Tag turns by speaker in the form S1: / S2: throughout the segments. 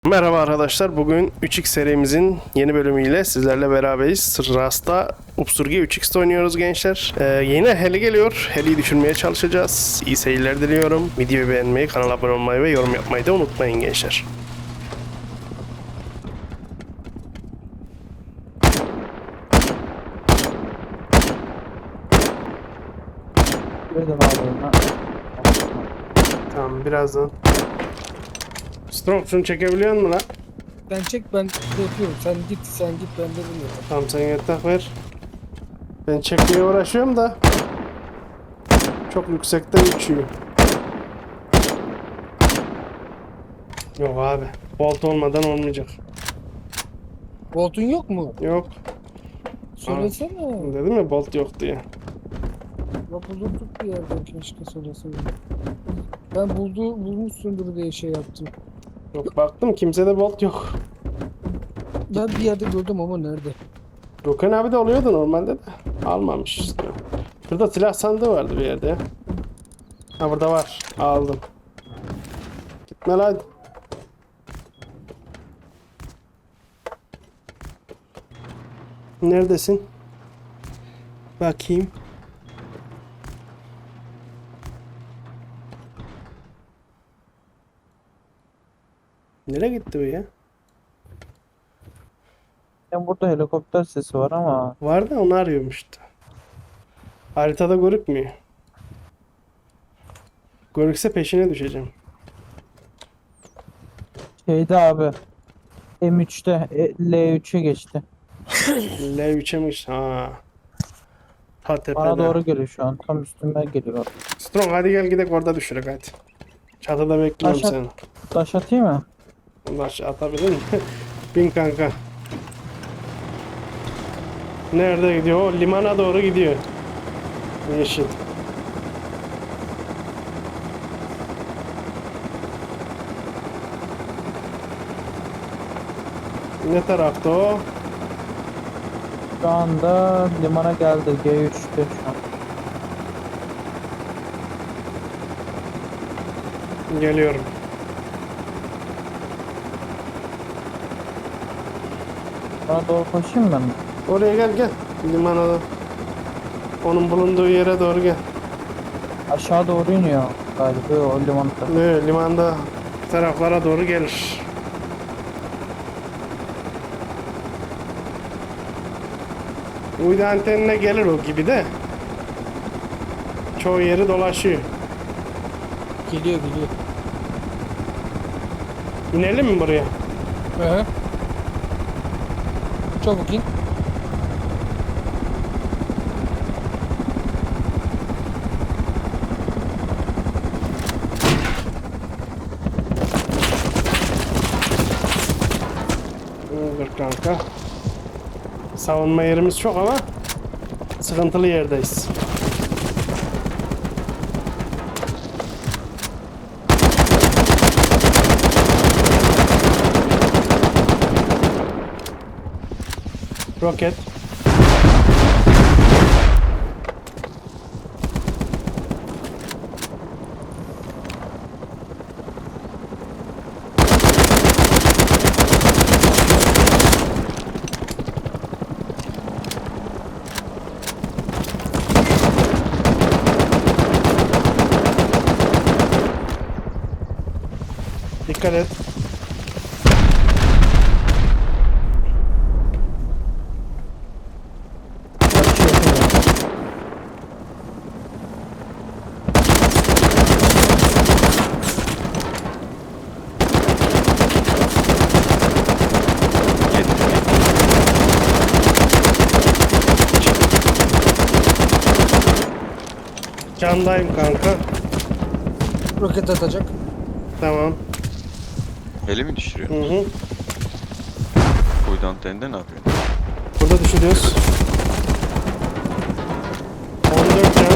S1: Merhaba arkadaşlar. Bugün 3X serimizin yeni bölümüyle sizlerle beraberiz. Rust'ta Upsurge 3X'te oynuyoruz gençler. Yeni heli geliyor. Heli'yi düşürmeye çalışacağız. İyi seyirler diliyorum. Videoyu beğenmeyi, kanala abone olmayı ve yorum yapmayı da unutmayın gençler.
S2: Gördüm abi onu.
S1: Tamam, birazdan. Strong, şunu çekebiliyor musun lan?
S3: Ben çek, ben de yapıyorum. Sen git ben de bilmiyorum.
S1: Tamam, sen yatak ver. Ben çekmeye uğraşıyorum da çok yüksekten uçuyor. Yok abi. Bolt olmadan olmayacak.
S3: Voltun yok mu?
S1: Yok.
S3: Söylesene.
S1: Dedim ya, bolt yok diye.
S3: Ya bulurduk bir yerden, keşke söyleseydin. Ben bulmuşsundur diye şey yaptım.
S1: Yok, baktım kimsede bolt yok.
S3: Ben bir yerde gördüm ama nerede?
S1: Gökhan abi de oluyordu normalde de. Almamış işte. Şurada silah sandığı vardı bir yerde. Ha, burada var. Aldım. Gitme lan. Neredesin? Bakayım. Nereye gitti bu ya?
S2: Yani burada helikopter sesi var ama
S1: Var da onu arıyormuştu. Haritada görükmüyor. Görükse peşine düşeceğim.
S2: şeyde abi M3'te L3'e geçti.
S1: L3'emiş. Ha. Ta tepede.
S2: Bana doğru geliyor şu an. Tam üstüme geliyor.
S1: Strong, hadi gel gidelim, orada düşürek hadi. Çatıda bekliyorum
S2: Aşağı-
S1: seni.
S2: Taş atayım mı?
S1: Ulaş atabilir mi? Bin kanka. Nerede gidiyor? O limana doğru gidiyor. Yeşil. Ne tarafta o?
S2: Şu anda limana geldi. G3'te şu an.
S1: Geliyorum.
S2: Bana doğru koşayım ben.
S1: Oraya gel gel. Limana da. Onun bulunduğu yere doğru gel.
S2: Aşağı doğru iniyor galiba o limanda.
S1: Ne, limanda taraflara doğru gelir. Uydu antenine gelir o gibi de. Çoğu yeri dolaşıyor.
S3: Geliyor.
S1: İnelim mi buraya?
S3: Hı. Çabuk in.
S1: Dur kanka. Savunma yerimiz çok ama sıkıntılı yerdeyiz. Roket. Dikkat et. Candayım kanka.
S3: Roket atacak.
S1: Tamam.
S4: Heli mi düşürüyor?
S1: Hı hı.
S4: Uydu anteninde ne yapıyorsun?
S1: Burada düşürüyoruz. 14 can.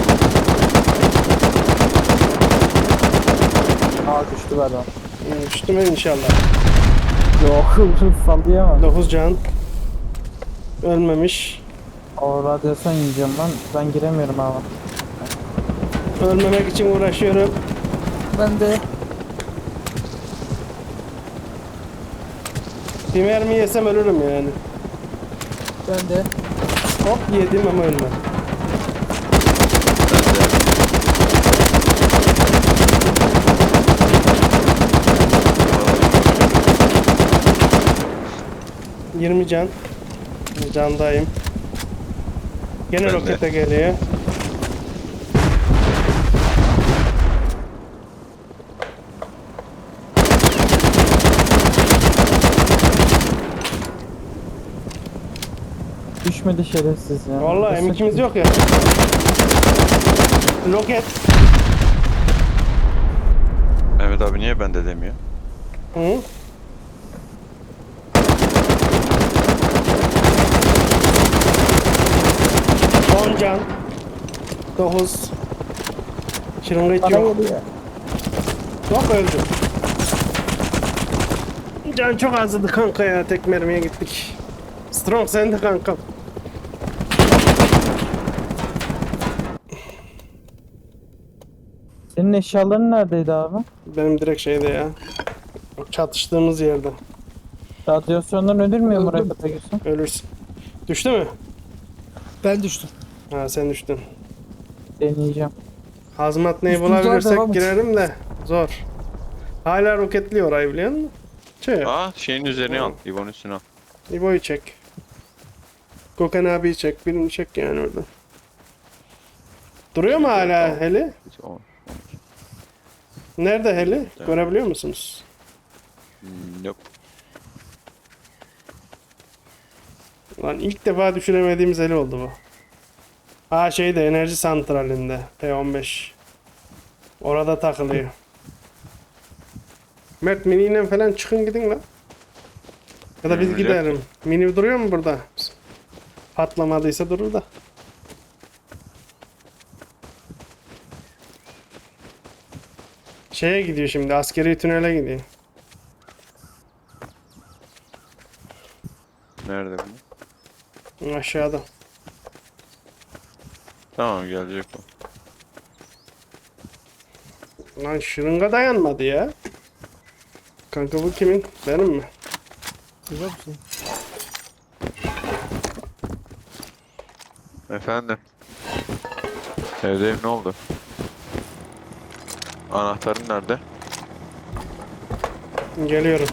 S2: Aa düştü galiba.
S1: Düştü mü inşallah.
S2: Yok sallıyor ama.
S1: 9 can. Ölmemiş.
S2: O radyasyon yiyeceğim ben giremiyorum abi.
S1: Ölmemek için uğraşıyorum.
S3: Ben de
S1: Bir mermi yesem ölürüm yani.
S3: Ben de.
S1: Hop yedim ama ölmedim.
S4: Ben de
S1: 20 can. Candayım. Gene
S4: Ben de.
S1: rokete geliyor.
S2: Düşmedi şerefsiz ya.
S1: Vallahi
S2: Düşsek-
S1: M2'miz yok ya. Roket.
S4: Mehmet abi niye bende demiyor?
S1: Hı? On can. 9. Şırınga
S2: Bana
S1: yok.
S2: geliyor.
S1: Yok öldü. Can çok azdı kanka ya. Tek mermiye gittik. Strong sen de kanka.
S2: Senin eşyaların neredeydi abi?
S1: Benim direkt şeyde ya. Çatıştığımız yerde.
S2: Radyasyondan ölürmüyor mu
S3: Öldüm.
S2: rakete girsin?
S1: Ölürsün. Düştü mü?
S3: Ben düştüm.
S1: Ha sen düştün.
S2: Deneyeceğim.
S1: Hazmat neyi
S3: Üstümüzden
S1: bulabilirsek
S3: devam et.
S1: girelim de zor. Hala roketliyor orayı biliyor musun? Şey,
S4: Aa şeyin üzerine al. İbo'nun üstüne al.
S1: İbo'yu çek. Gökhan abiyi çek. Birini çek yani orada. Duruyor mu hala heli?
S4: O-
S1: Nerede heli?
S4: Evet.
S1: Görebiliyor musunuz?
S4: Nope.
S1: Lan ilk defa düşüremediğimiz heli oldu bu. Aa şeyde enerji santralinde. P15. Orada takılıyor. Mert miniyle falan çıkın gidin lan. Ya da biz
S4: Yürüyecek.
S1: gidelim. Mini duruyor mu burada? Patlamadıysa durur da. Şeye gidiyor şimdi, askeri tünele gidiyor.
S4: Nerede bu?
S1: Aşağıda.
S4: Tamam gelecek o.
S1: Lan şırınga dayanmadı ya. Kanka bu kimin? Benim mi?
S3: Güzel bir şey.
S4: Efendim. Evdeyim ne oldu? Anahtarın nerede?
S1: Geliyorum.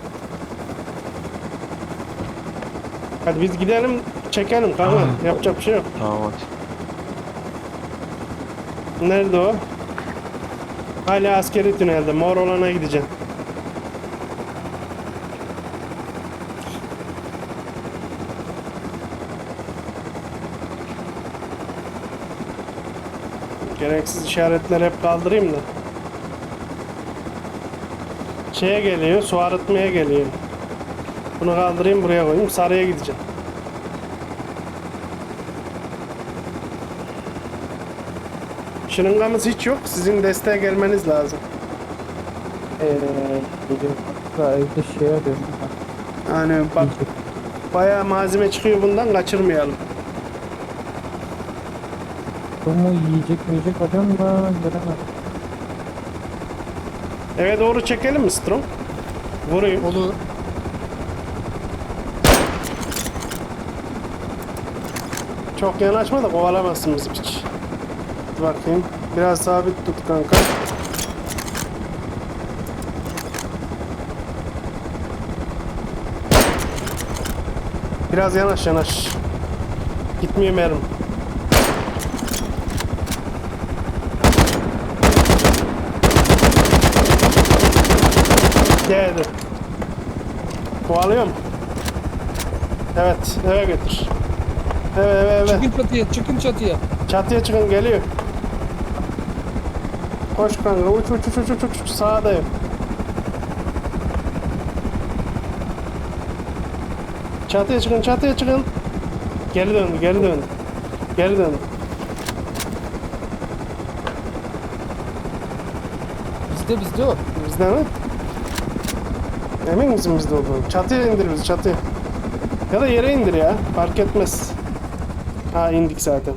S1: Hadi biz gidelim, çekelim kanka. Yapacak bir şey yok.
S4: Tamam hadi.
S1: Nerede o? Hala askeri tünelde. Mor olana gideceğim. Gereksiz işaretleri hep kaldırayım da. Şeye geliyor, su arıtmaya geliyor. Bunu kaldırayım buraya koyayım. Sarıya gideceğim. Şırıngamız hiç yok. Sizin desteğe gelmeniz lazım.
S2: Geliyorum. Daha evde şey arıyorum.
S1: Yani bak bayağı malzeme çıkıyor bundan, kaçırmayalım.
S2: Bu mu yiyecek arıyorum da göremem.
S1: Eve doğru çekelim mi Strong? Vurayım.
S3: Olur.
S1: Çok yanaşma da kovalamazsın bizi hiç. Dur bakayım. Biraz sabit tut kanka. Biraz yanaş yanaş. Gitmiyor mermi. Geldi. Kovalıyor mu? Evet, eve götür. Eve.
S3: Çıkın çatıya, çıkın çatıya.
S1: Çatıya çıkın, geliyor. Koş kanka, uç sağdayım. Çatıya çıkın. Geri döndü.
S3: Bizde o.
S1: Bizde mi? Emin misin bizde olduğunu? Çatıya indir bizi, çatıya. Ya da yere indir ya, fark etmez. Ha indik zaten.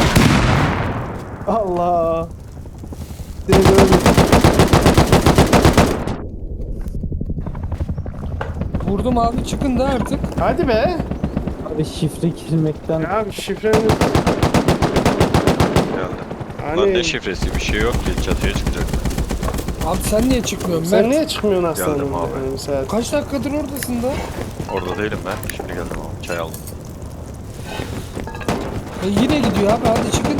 S1: Allah. Direkt öldük.
S3: Vurdum abi, çıkın da artık.
S1: Hadi be.
S2: Abi şifre girmekten
S1: Ya bir şifremiz.
S4: Geldi. Lan
S1: Hani
S4: ne şifresi bir şey yok ki çatıya çıkacak.
S3: Abi sen niye çıkmıyorsun
S1: sen
S3: Mert?
S1: niye çıkmıyorsun aslanım?
S4: Geldim abi.
S1: Yani mesela
S3: Kaç dakikadır oradasın da?
S4: Orada değilim ben. Şimdi geldim abi. Çay aldım.
S3: Yine gidiyor abi, hadi çıkın.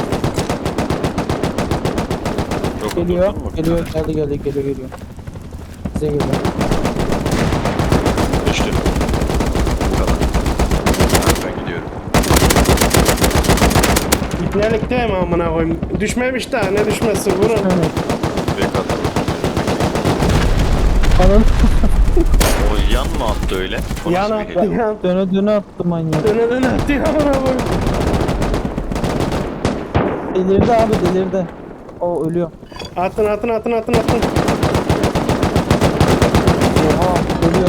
S4: Çok
S2: geliyor.
S4: oturdun mu?
S2: Geliyor, geliyor. Bize geliyor.
S4: Düştü. Bu kadar. Ben gidiyorum.
S1: İpnelik değil mi amına koyayım? Düşmemiş daha, ne düşmesi, vurun.
S2: Evet.
S4: Direkt atalım.
S2: Anam
S4: O yan mı attı öyle? O nasıl
S1: Yan
S4: bir
S1: attı,
S4: hile?
S1: yan.
S2: döne attı manyak.
S1: Döne attı amına koyayım.
S2: Delirdi abi, delirdi. O ölüyor.
S1: Atın.
S2: Oha, ölüyor.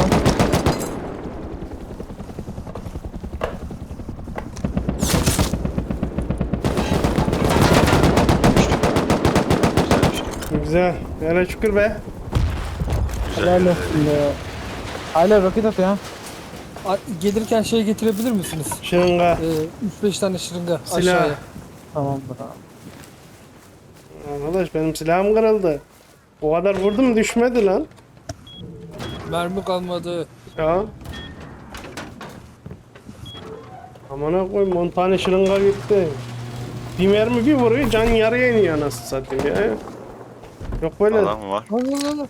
S4: Güzel düştü.
S1: Güzel. Hele şükür be.
S4: Güzel.
S2: Helal olsun ya. Hala roket atıyor ha.
S3: Gelirken şey getirebilir misiniz?
S1: Şırınga.
S3: 3-5 tane şırınga
S1: Silah.
S3: aşağıya.
S2: Tamamdır abi.
S1: Arkadaş benim silahım kırıldı. O kadar vurdum düşmedi lan.
S3: Mermi kalmadı.
S1: Ya. Amına koyayım 10 tane şırınga gitti. Bir mermi bir vuruyor can yarıya iniyor nasıl satayım ya. Yok böyle.
S4: Adam mı var?
S3: Allah.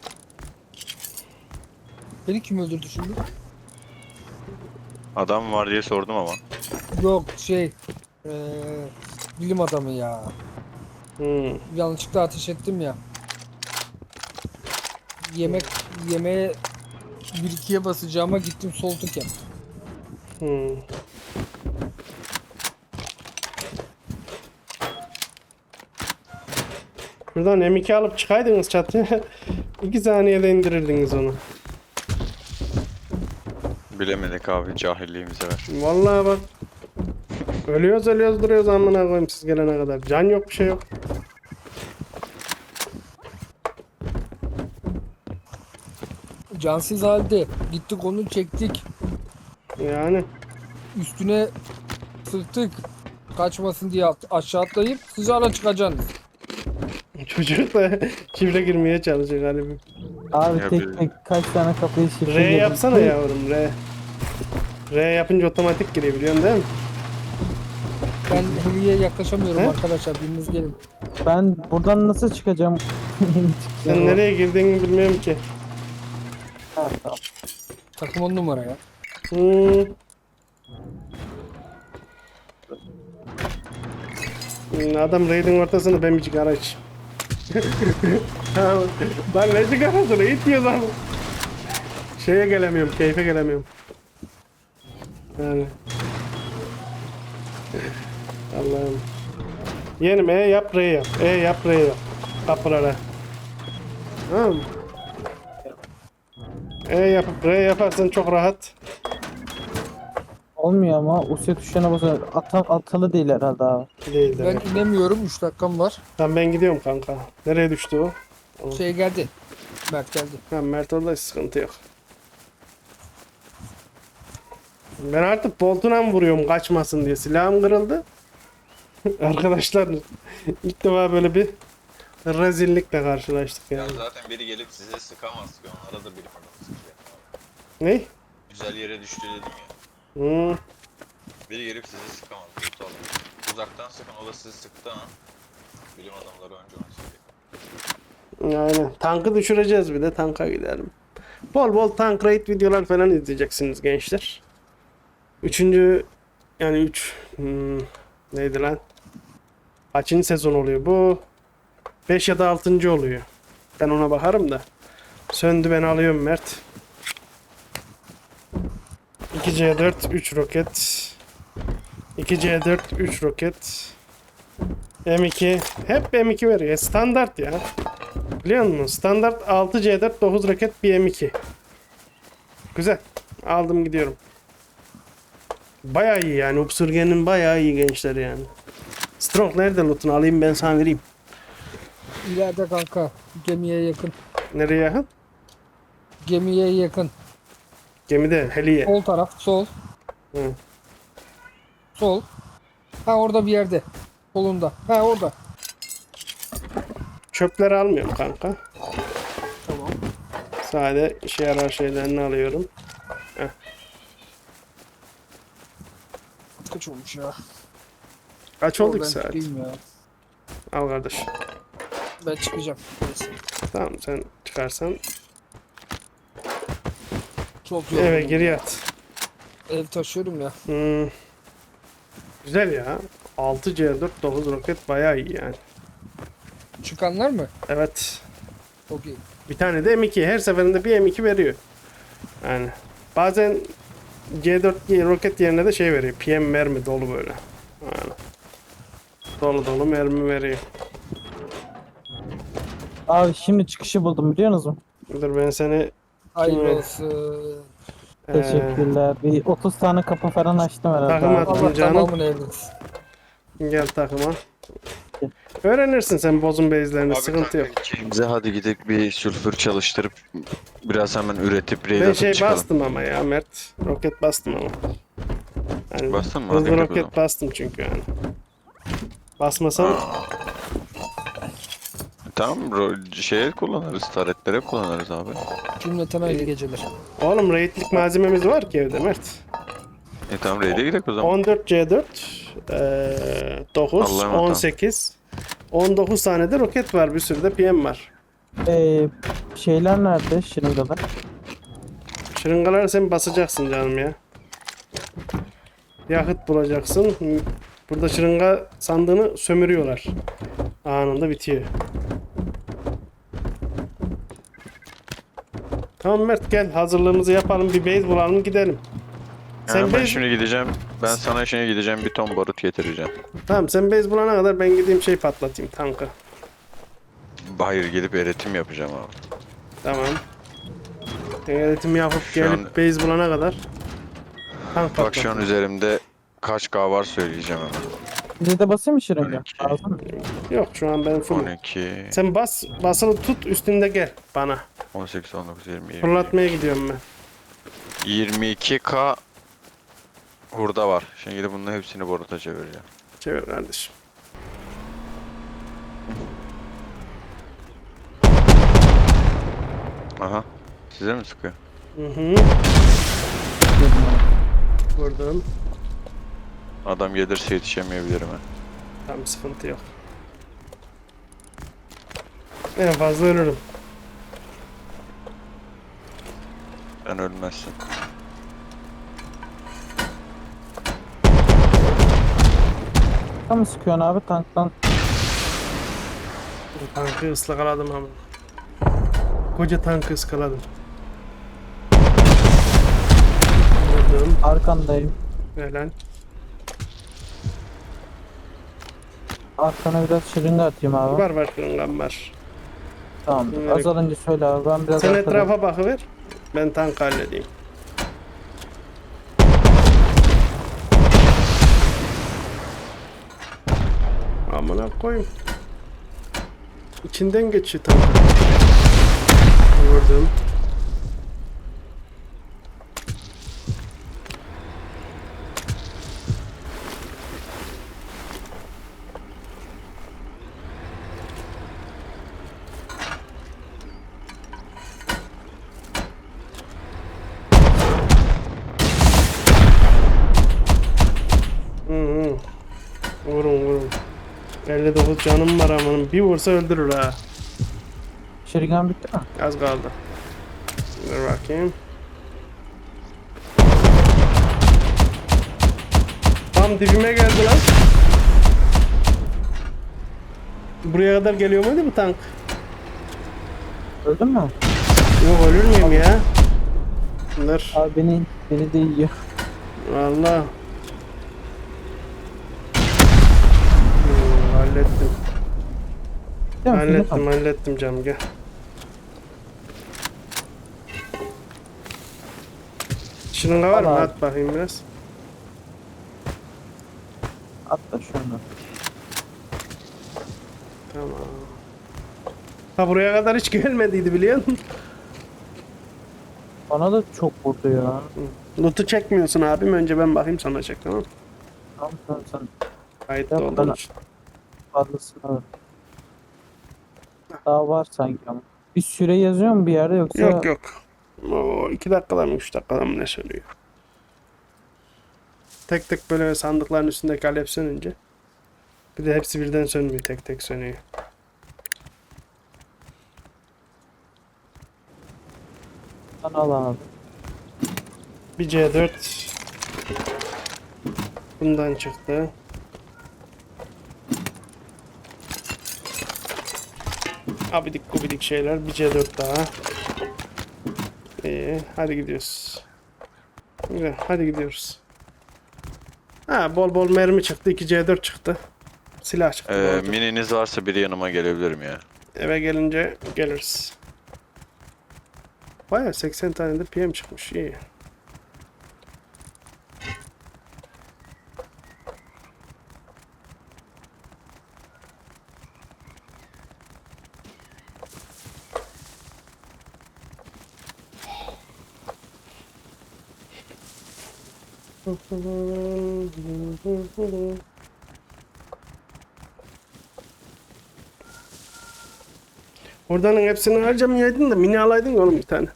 S3: Beni kim öldürdü şimdi?
S4: Adam mı var diye sordum ama.
S3: Yok bilim adamı ya.
S1: Hmm.
S3: Yanlışlıkla ateş ettim ya. Yemeğe 1-2'ye basacağıma gittim sol tık yaptım.
S1: Hmm. Buradan M2 alıp çıkaydınız çatıya. 2 saniyede indirirdiniz onu.
S4: Bilemedik abi cahilliğimize ver.
S1: Vallahi bak. Ölüyoruz duruyoruz amına koyayım siz gelene kadar. Can yok bir şey yok.
S3: Cansız halde gittik onu çektik.
S1: Yani.
S3: Üstüne sıktık. Kaçmasın diye aşağı atlayıp sıcağına çıkacaksınız.
S1: Çocuk da şifre girmeye çalışıyor galiba.
S2: Abi
S4: Ya
S2: tek
S4: bir-
S2: tek kaç tane kapıyı şifre
S1: R
S2: girdim.
S1: yapsana yavrum R. R yapınca otomatik giriyor biliyorsun değil mi?
S3: Ben Hırı'ya yaklaşamıyorum
S1: He?
S3: arkadaşlar. Biriniz gelin.
S2: Ben buradan nasıl çıkacağım?
S1: Sen nereye girdiğini bilmiyorum ki.
S2: Ha, tamam.
S3: Takım 10 numara ya.
S1: Hmm. Adam raid'in ortasında ben bir sigara iç. Ben ne sigarası raid diyor lan. Şeye gelemiyorum, keyfe gelemiyorum. Yani. Allah'ım. Yeğenim yap R yap. Yap R yap. Kapılara. Tamam mı? Yapıp R yaparsan çok rahat.
S2: Olmuyor ama Usya tuşuna basar. Atalı değil herhalde abi.
S1: Değil de.
S3: Ben inemiyorum. 3 dakikam var.
S1: Tamam ben gidiyorum kanka. Nereye düştü o?
S3: Şey geldi. Mert geldi.
S1: Ha Mert orada sıkıntı yok. Ben artık boltuna mı vuruyorum kaçmasın diye. Silahım kırıldı. Arkadaşlar ilk defa böyle bir rezillikle karşılaştık
S4: Ya
S1: yani.
S4: zaten biri gelip size sıkamaz ki. Onlara da bilim adamı sıkıyor.
S1: Ne?
S4: Güzel yere düştü dedim ya.
S1: Hmm.
S4: Biri gelip sizi sıkamaz. Loot alıyor. Uzaktan sıkın o da sizi sıktı ha. Bilim adamları önce onu sıkıyor.
S1: Aynen. Tankı düşüreceğiz bir de tanka gidelim. Bol bol tank raid videolar falan izleyeceksiniz gençler. Üçüncü yani neydi lan? Kaçıncı sezon oluyor bu? 5 ya da 6. oluyor. Ben ona bakarım da. Söndü ben alıyorum Mert. 2C4 3 roket. 2C4 3 roket. M2 hep M2 veriyor. Standart ya. Biliyor musun? Standart 6C4 9 roket bir M2. Güzel. Aldım gidiyorum. Bayağı iyi yani. Upsurgen'in bayağı iyi gençler yani. Strong nerede loot'unu alayım ben sana vereyim.
S3: İleride kanka. Gemiye yakın.
S1: Nereye yakın?
S3: Gemiye yakın.
S1: Gemide heliye.
S3: Sol taraf, sol.
S1: Hı.
S3: Sol. Ha orada bir yerde. Solunda. Ha orada.
S1: Çöpleri almıyorum kanka.
S3: Tamam.
S1: Sade işe yarar şeylerini alıyorum.
S3: Kaç olmuş ya?
S1: Kaç oldu
S3: Ben
S1: ki saat?
S3: çıkayım ya.
S1: Al kardeş.
S3: Ben çıkacağım. Neyse.
S1: Tamam sen çıkarsan
S3: Çok yoruldum.
S1: eve gir yat.
S3: Ev taşıyorum ya.
S1: Hmm. Güzel ya. 6C4 9 roket bayağı iyi yani.
S3: Çıkanlar mı?
S1: Evet.
S3: Çok iyi.
S1: Bir tane de M2. Her seferinde bir M2 veriyor. Yani bazen C4 roket yerine de şey veriyor. PM mermi dolu böyle. Yani. Dolu dolu mermi veriyor.
S2: Abi şimdi çıkışı buldum biliyor musun?
S1: Dur ben seni
S3: Hayırlı olsun.
S2: Teşekkürler. Bir 30 tane kapı falan açtım herhalde.
S1: Takım
S2: abi.
S1: at.
S3: Allah
S1: canım.
S3: tamamını evlensin.
S1: gel takıma. Öğrenirsin sen bozun base'lerini.
S4: Abi
S1: Sıkıntı yok.
S4: kanka ikimize hadi gidip bir sülfür çalıştırıp biraz hemen üretip raid
S1: Ben
S4: atıp
S1: şey
S4: çıkalım.
S1: bastım ama ya Mert. Roket bastım ama. Yani
S4: Bastın mı? Hadi
S1: hızlı
S4: gidelim o
S1: roket
S4: zaman.
S1: bastım çünkü yani. Basmasam
S4: Tamam şeye kullanırız, taretlere kullanırız abi.
S3: Cümleten hayırlı geceler.
S1: oğlum raidlik malzememiz var ki evde Mert.
S4: Tamam raid'e gidelim o zaman.
S1: 14 C4 9
S4: Allah'a emanet ol.
S1: 18 19 tane de roket var, bir sürü de PM var.
S2: Şeyler nerede? Şırıngalar.
S1: Şırıngaları sen basacaksın canım ya. Yakıt bulacaksın. Burada şırınga sandığını sömürüyorlar. Anında bitiyor. Tamam Mert gel hazırlığımızı yapalım, bir base bulalım gidelim. Sen
S4: Ben
S1: base...
S4: şimdi gideceğim. Ben sana şimdi gideceğim bir ton barut getireceğim.
S1: Tamam sen base bulana kadar ben gideyim şey patlatayım, tankı.
S4: Hayır gidip eritim yapacağım abi.
S1: Tamam. Eğitim yapıp
S4: Şu
S1: gelip
S4: an-
S1: base bulana kadar tank
S4: Bak şu an
S1: patlatayım.
S4: üzerimde kaç K var söyleyeceğim hemen.
S2: Bir de basayım mı şırınga?
S4: 12.
S2: Lazım mı?
S1: Yok şu an ben full.
S4: 12,
S1: Sen basılı tut üstünde gel bana.
S4: 18, 19, 20, 20.
S1: Fırlatmaya gidiyorum ben.
S4: 22K hurda var. Şimdi gidip bunların hepsini boruta çevireceğim.
S1: Çevir kardeşim.
S4: Aha. Size mi sıkıyor?
S1: Hı hı. Vurdum.
S4: Adam gelirse yetişemeyebilirim ha.
S1: Tamam sıkıntı yok. En fazla ölürüm.
S4: Sen ölmezsin.
S2: Tam sıkıyorsun abi tanktan.
S1: Bu tankı ıskaladım ama. Koca tankı ıskaladım. Vurdum.
S2: Arkandayım.
S1: Helal.
S2: Arkana biraz şırınga atayım abi.
S1: Var kırıngam var.
S2: Tamam.
S1: Evet.
S2: Azalınca söyle abi. Ben biraz
S1: Sen
S2: arkada-
S1: etrafa bakıver. Ben tank halledeyim. Amına koyayım. İçinden geçiyor tank. Vurdum. Hı. Vurun. 59 canım var amanın. Bir vursa öldürür ha.
S2: Şırıngan bitti mi?
S1: Az kaldı. Dur bakayım. Tam dibime geldi lan. Buraya kadar geliyor muydu bu tank?
S2: Öldün mü?
S1: Yok ölür müyüm ya? Dur.
S2: Abi beni de yiyor.
S1: Valla. Hallettim.
S2: Değil mi?
S1: Hallettim canım gel. Şırınga var mı?
S2: Al abi.
S1: At bakayım biraz.
S2: Atla şunu.
S1: Tamam. Ha buraya kadar hiç gelmediydi biliyor musun?
S2: Bana da çok vurdu ya.
S1: Loot'u çekmiyorsun abim. Önce ben bakayım sonra çek, tamam mı?
S2: Tamam tamam sen
S1: Kayıtlı
S2: Yap
S1: olduğun
S2: bana.
S1: için.
S2: fazlasını al. Daha var sanki ama. Bir süre yazıyor mu bir yerde yoksa?
S1: Yok yok. O 2 dakikada mı 3 dakikada mı ne söylüyor? Tek tek böyle sandıkların üstündeki alev sönünce. Bir de hepsi birden sönmüyor, tek tek sönüyor.
S2: Sen al abi.
S1: Bir C4 bundan çıktı. Abidik gubidik şeyler. Bir C4 daha. İyi, hadi gidiyoruz. Güzel, hadi gidiyoruz. Ha, bol bol mermi çıktı. 2 C4 çıktı. Silah çıktı. bolca.
S4: Mininiz varsa biri yanıma gelebilirim ya.
S1: Eve gelince geliriz. Baya 80 tane de PM çıkmış. İyi. Oradanın hepsini harcamayaydın da mini alaydın ya oğlum bir tane.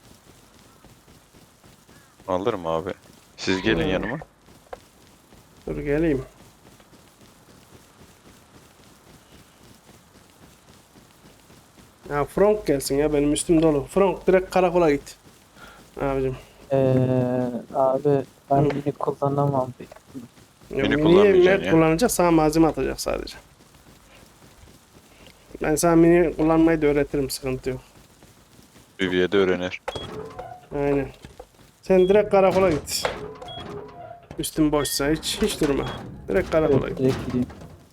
S4: Alırım abi. Siz gelin yanıma.
S1: Dur geleyim. Ya Frank gelsin ya, benim üstüm dolu. Frank direkt karakola git. Abicim.
S2: Abi ben mini kullanamam.
S1: Ya
S4: Mini
S1: miniyi
S4: kullanmayacaksın
S1: Mert
S4: ya.
S1: kullanacak, sana malzeme atacak sadece. Ben sana mini kullanmayı da öğretirim, sıkıntı yok.
S4: Büyüye öğrenir.
S1: Aynen. Sen direkt karakola git. Üstün boşsa hiç durma. Direkt karakola
S2: Evet,
S1: git.
S2: direkt gideyim.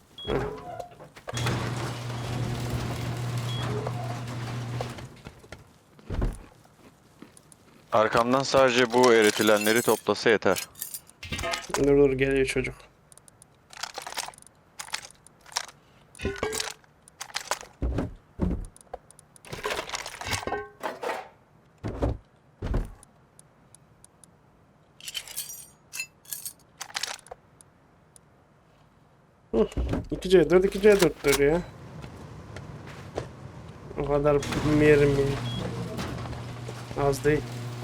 S4: Arkamdan sadece bu eritilenleri toplasa yeter.
S1: Dur geliyor çocuk. Hı, 2C4 2C4'tür ya. O kadar bilmeyelim bunu. Az değil.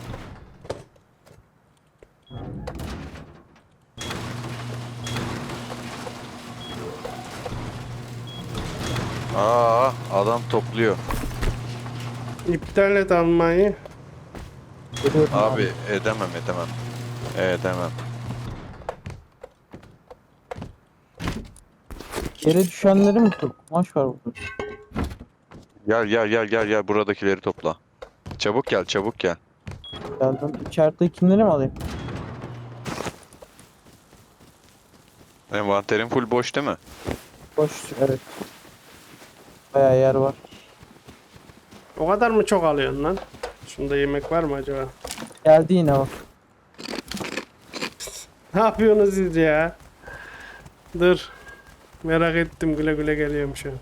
S4: Aa, adam topluyor.
S1: İptal et almayı.
S2: Geliyorum
S4: Abi edemem. Edemem.
S2: Yere düşenleri mi tut? Kumaş var burada.
S4: Gel buradakileri topla. Çabuk gel.
S2: Geldim. İçeridekileri mi alayım?
S4: Envanterin full boş değil mi?
S2: Boş, evet. Bayağı yer var.
S1: O kadar mı çok alıyorsun lan? Şunda yemek var mı acaba?
S2: Geldi yine bak.
S1: Ne yapıyorsunuz siz ya? Dur. Merak ettim, güle güle geliyorum şu an.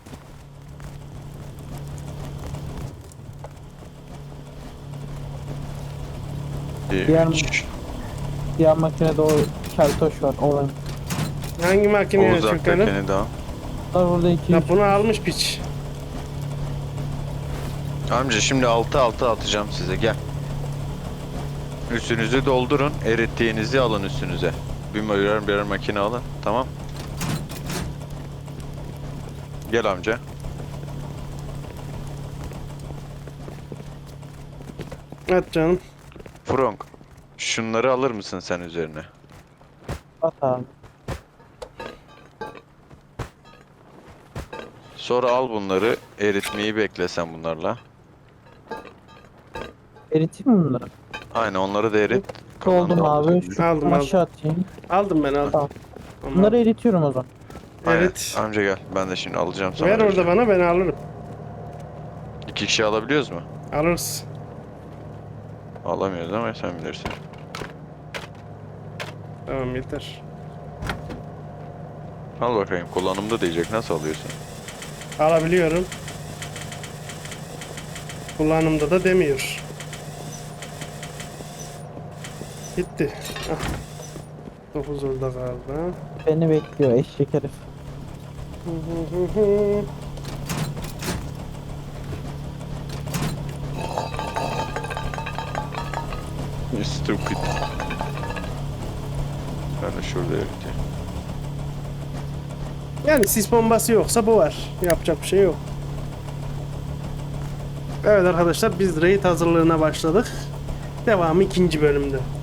S2: Diğer-
S4: Üç.
S2: Diğer makinede o keltoş var. Olan.
S1: Hangi
S4: O
S1: makineye Türkan'ın?
S4: uzaktakini daha.
S2: Burada iki.
S1: Ya bunu almış piç.
S4: Amca şimdi 6 atacağım size gel. Üstünüzü doldurun. Erittiğinizi alın üstünüze. Birer makine alın. Tamam. Gel amca.
S1: At canım.
S4: Frank. Şunları alır mısın sen üzerine?
S2: At abi.
S4: Sonra al bunları. Eritmeyi bekle sen bunlarla.
S2: Eriteyim mi bunları?
S4: Aynen onları da erit.
S2: Oldum
S4: Kalanı da
S2: abi.
S4: alacağım.
S2: Şu
S1: Aldım,
S2: aşağı atayım.
S1: Aldım ben aldım.
S2: Tamam.
S1: Ama-
S2: Bunları eritiyorum o zaman.
S4: Aynen.
S1: Evet.
S4: Amca gel. Ben de şimdi alacağım sana.
S1: Ver orada
S4: vereceğim.
S1: bana, ben alırım.
S4: 2 kişi alabiliyoruz mu?
S1: Alırız.
S4: Alamıyoruz ama sen bilirsin.
S1: Tamam yeter.
S4: Al bakayım. Kullanımda diyecek. Nasıl alıyorsun?
S1: Alabiliyorum. Kullanımda da demiyor. Gitti. Ah. 9 orada kaldı.
S2: Beni bekliyor eşek herif.
S4: You stupid. Ben de şurada öyle.
S1: Yani sis bombası yoksa bu var. Yapacak bir şey yok. Evet arkadaşlar biz raid hazırlığına başladık. Devamı ikinci bölümde.